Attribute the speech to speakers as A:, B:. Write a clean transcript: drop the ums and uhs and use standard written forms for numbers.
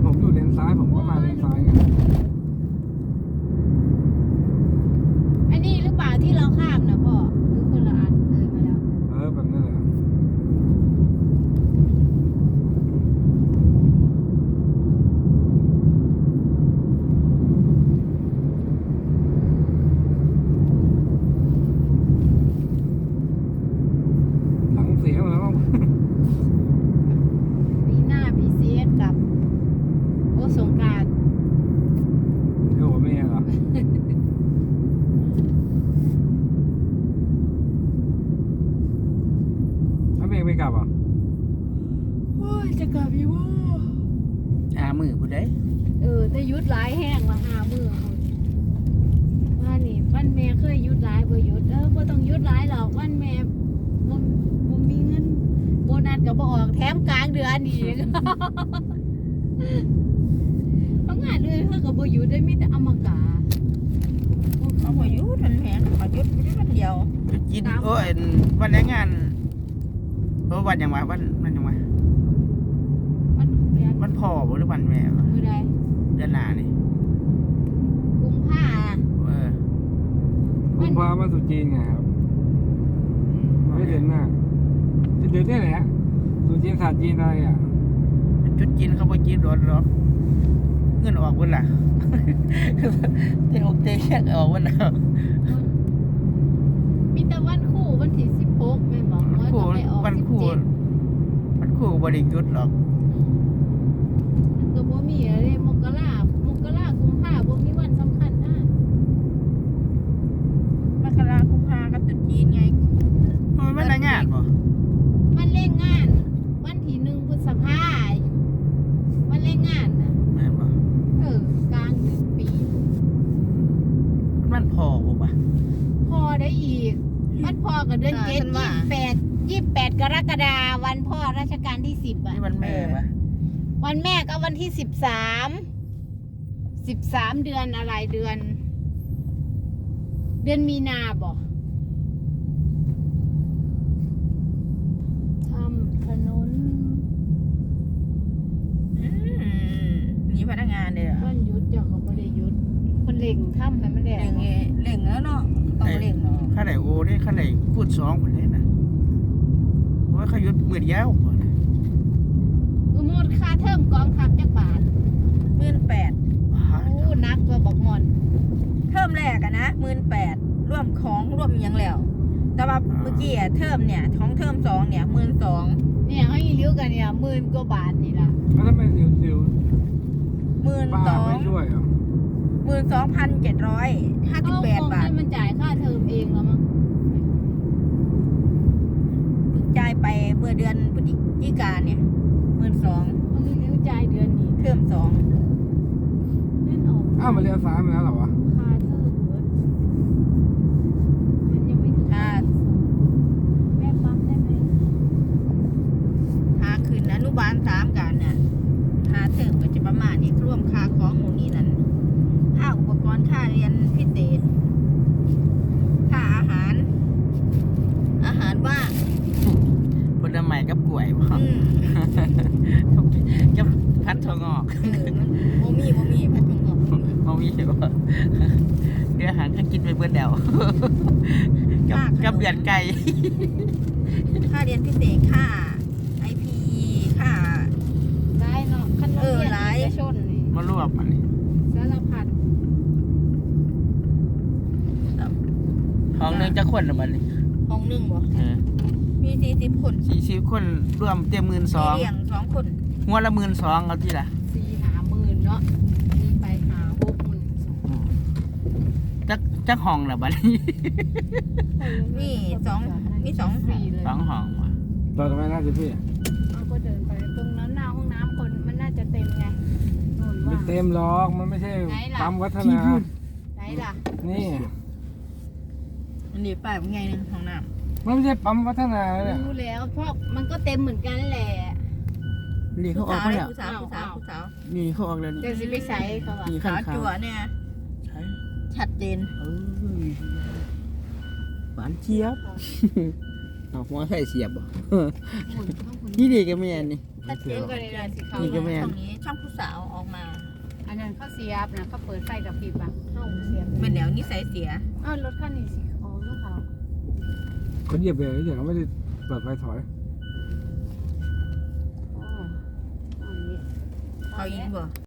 A: ผมอยู่เลนซ้ายผมก็มาเลนซ้ายไง
B: อันนี้หรือเปล่าที่เราข้ามนะพ่อหรือคนละอันเลยมาแล้ว
A: แบบนั้นแหละหลังเสียแล้ว
B: ปีหน้าพีซีเอสกับโอสงกรานต์
A: โอ้ไม่เหรอแล้วเมย์ไม่กลับอ่ะ
B: โอ้ยจะกลับอยู่ว่า
C: มือผู้ใด
B: แต่ยุดหลายแห้งละ5 มื้อว่านี่วันแม่เคยยุดหลายบ่ยุดบ่ต้องยุดหลายหรอกวันแม่บ่มีเงินโบนัสก็บ่ออกแถมกลางเดือนอีก เพราะงานเลยเพิ่นก็บ่หยุดได้มีแต่อมกา
D: เขาพอยุดมันแพงเขายุดไม่ได้วันเดียว
C: กินโอ้ยวันแรงงานวันอย่างวันอย่าง
B: มันเดือน
C: วันพ่อหรือวันแม่
B: มื้อใด
C: เดือนหน้านี่
B: กุมภา
A: กุมภามาสุจีนไงครับไม่เดือนหน้าจะเดือนนี้แหละสุจีนศาสตร์จีนอะไรอ่ะ
C: จุดกินเขาไปกินรถหรอกเงินออกวันละเที่ยวเที่ยวออกวันละ
B: มีแต่วันคู่วันที่16แม่นบ่ว่าจะไปออก
C: วันคู่
B: 17
C: วันคู่บริยุทธ์หรอก
B: มันก็บ่มีอะไรมกรากุมภาบ่มีวันสำคัญนะ
D: มกราคมพากับตรุษจีนไง
C: มันแรงงานป่ะ
B: มันเร่งงาน วันที่1 พฤษภาคมมันเร่งงานน่ะ
C: แม่นป่ะ
B: กลางเดือนปี
C: มันพ่อป่ะ
B: พอได้อีกวันพ่อกับเดือน7 28 กรกฎาคมวันพ่อรัชกาลที่10อ่ะ
C: นี่วันแม่ป่ะ
B: วันแม่ก็วันที่13เดือนอะไรเดือนมีนาบ่ทำถนน
D: มีพนักงานเลยเหรอ
B: วันหยุดเจ้าก็บ่ได้หยุดคนเล่งทำให้มันแด
D: เร่
B: ง
D: งไงเร่งแล้วเนาะต้องเร่งเนาะ
C: ข้าไหนโอ้ได้ข้าไหนพูด2คนเลยนะว่าเขายุดมือเดียว
B: คือหมดค่าเทอมกองทัพจักบาท
D: 18,000
B: โอ้นักกว่าบักหมอน
D: เทอมแรกอะนะ18,000ร่วมของร่วมอิหยังแล้ว แต่ว่าเมื่อกี้อะเทอมเนี่ยของเทอม2เนี่ย12,000
B: เนี่ยเขาอีเลี้ยวกันเนี่ย10,000 กว่าบาทนี่ล่ะ
A: แล้วทำไมเดี๋ยวป้าไม่
D: 12,000
A: ช่วยอ่ะ
D: 12,758 บาท
B: ให้มันจ่ายค่าเทอมเองแล้วมั้ง
D: เพิ่งจ่ายไปเมื่อเดือนพฤศจิกายนเนี่ย12,000
B: เขาอีเลี้ยวจ่ายเดือนนี้
D: เทอม2
B: เล่นออก
A: อ้าวมาเรียนซ้ายมาแล้วเหรอวะ
B: ค่าเทอมเบิดมันยังไม่ถึง
D: ค่า
B: แม่ปั๊มได้ไหม
D: หาคืนอนุบาล3กันน่ะหาเทอมก็จะประมาณนี้รวมค่าของหมู่นี้นั่นค่าอุปกรณ์ค่าเรียนพิเศษค่าอาหารว่าง
C: ผลไม้กับกล้วยป่ะ กับพัดทองอก
D: มันบ่มีพัดจงออก
C: มองมีเหรอเดี๋ยวอาหารก็กินไปเบิดแล้วกับเบียดไก่
D: ค่าเรียนพิเศษค่า IPE ค่า
B: ได้เนาะคันโรงเรียน
D: หลาย
B: เอกชนนี่
C: มารวบมันนี่
B: สารพัด
C: ห้องหนึงจะคนละมันนี่
D: ห้องหนึ่งบ่มี40 คน
C: 40 คนรวมเต็ม
D: มีเลี้ยง2 คน
C: 12,000หัวละ12,000เอาที่ละ
B: 4-5 หมื่นเนาะนี่ไป5-6 หมื่น
C: จักห้องละบัดนี้
D: มี2
B: ฟรีเลย
C: 2ห้องว่ะ
A: ต่อทำไมน่าจะพี่
B: เอาก็เดินไปตรงนั้นหน้าห้องน้ำคนมันน่าจะเต็มไงโน่น
A: ไม่
B: ว่า
A: เต็มหรอกมันไม่ใช่
B: ไหนล่ะ
A: ปั๊มวัฒนา
B: ไหนล่ะ
A: นี่
D: อันนี้ป้ายว่าไงนึงห้องน้ำ
A: มันไม่ใช่ปั๊มวัฒนาเนี่ย
B: รู้แล้วเพราะมันก็เต็มเหมือนกันแหละ
C: นี่เขาออกมาแล้ว
D: ผู้สาว
C: นี่เขาออกแล้วนี่
B: จะสิไปใส่เขาอะ
C: นี่
D: สา
C: ข้าง
D: ว
C: ๆ
D: จั่วเนี่ย
C: ใช่
D: ชัดเจน
C: หวานเจี๊ยบเอาหัวไข่เสียบบ่
B: หมุนเข้าคุณ
C: นี่ดีกับแม่นี่
D: ถ้าเสียบก็เลยได้สิเขา
C: นี่ก็แม่น
D: ช่องนี้ช่องผู้สาวออกมา
B: อันนั้นเขาเสียบนะเขาเปิดไฟกับพริบอ่ะเข้าเสียบ
D: เป็นแนวนิสัยเสีย
B: อ้าวรถคันนี้สิออกแล้วเขา
A: คนเหยียบเบรกเฉยๆเขาไม่ได้เปิดไฟถอย
B: อ๋ออันนี้
D: เขายิงบ่